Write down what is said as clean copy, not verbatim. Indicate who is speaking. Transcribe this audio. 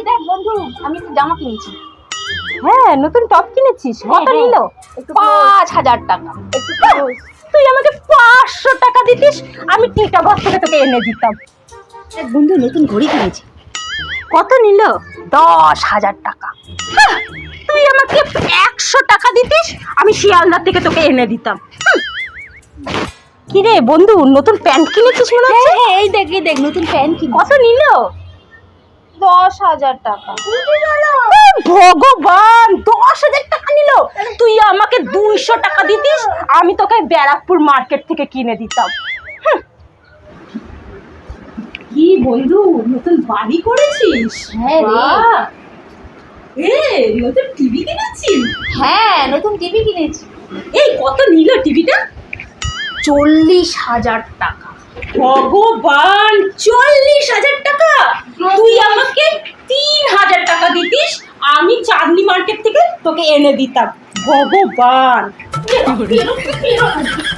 Speaker 1: দেখ বন্ধু, আমি একটা জামা কিনেছি।
Speaker 2: হ্যাঁ, নতুন টপ কিনেছিস? কত
Speaker 1: হ্যাঁ।
Speaker 2: নিল?
Speaker 1: 5,000 টাকা।
Speaker 2: তুই আমাকে 500 টাকা দিতিস, আমি টিটাগড় থেকে তোকে এনে দিতাম।
Speaker 1: দেখ বন্ধু, নতুন ঘড়ি কিনেছি।
Speaker 2: কত নিল?
Speaker 1: 10,000 টাকা।
Speaker 2: তুই আমাকে 100 টাকা দিতিস, আমি শিয়ালদা থেকে তোকে এনে দিতাম। কি রে বন্ধু, নতুন প্যান্ট কিনেছিস মনে হচ্ছে?
Speaker 1: হ্যাঁ, এই দেখ নতুন প্যান্ট কিনেছি।
Speaker 2: কত নিল?
Speaker 1: 10,000 টাকা।
Speaker 2: ভগবান, 10,000 টাকা নিল। তুই আমাকে 200 টাকা দিতিস, আমি তোকে ব্যারাকপুর মার্কেট থেকে কিনে দিতাম। কি বন্ধু, নতুন বাড়ি করেছিস?
Speaker 1: হ্যাঁ রে।
Speaker 2: বাহ! নতুন টিভি কিনেছিস?
Speaker 1: হ্যাঁ, নতুন টিভি কিনেছি।
Speaker 2: এই কত নিল টিভিটা?
Speaker 1: 40,000 টাকা।
Speaker 2: ভগবান, 40,000 টাকা! তুই আমাকে 3,000 টাকা দিতিস, আমি চাঁদনি মার্কেট থেকে তোকে এনে দিতাম। ভগবান!